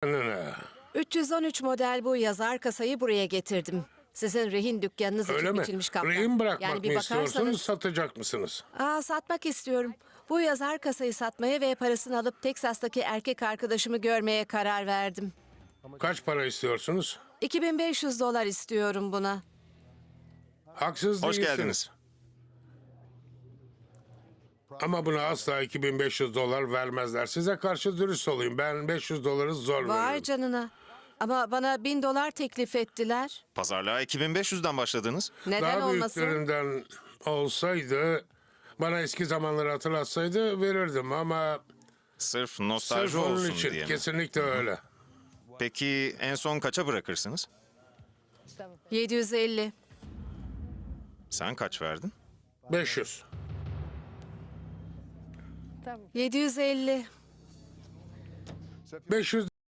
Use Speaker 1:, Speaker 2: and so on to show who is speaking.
Speaker 1: Ne?
Speaker 2: 313 model bu yazar kasayı buraya getirdim. Sizin rehin dükkanınız
Speaker 1: Öyle
Speaker 2: için
Speaker 1: mi?
Speaker 2: biçilmiş kaptan.
Speaker 1: Rehin bırakmak
Speaker 2: Yani bir
Speaker 1: mı istiyorsunuz,
Speaker 2: bakarsanız...
Speaker 1: satacak mısınız?
Speaker 2: Satmak istiyorum. Bu yazar kasayı satmaya ve parasını alıp Teksas'taki erkek arkadaşımı görmeye karar verdim.
Speaker 1: Kaç para istiyorsunuz?
Speaker 2: $2500 istiyorum buna.
Speaker 1: Haksız
Speaker 3: Hoş
Speaker 1: değilsiniz.
Speaker 3: geldiniz.
Speaker 1: Ama buna asla $2500 vermezler. Size karşı dürüst olayım. Ben $500 zor
Speaker 2: Vay
Speaker 1: veririm.
Speaker 2: canına. Ama bana $1000 teklif ettiler.
Speaker 3: Pazarlığa 2500'den başladınız.
Speaker 2: Neden
Speaker 1: Daha
Speaker 2: olmasın?
Speaker 1: büyüklerinden olsaydı, bana eski zamanları hatırlatsaydı verirdim ama
Speaker 3: Sırf nostalji
Speaker 1: sırf onun
Speaker 3: olsun
Speaker 1: için
Speaker 3: diye mi?
Speaker 1: kesinlikle öyle.
Speaker 3: Peki en son kaça bırakırsınız?
Speaker 2: 750.
Speaker 3: Sen kaç verdin?
Speaker 1: 500.
Speaker 2: 750.
Speaker 1: 500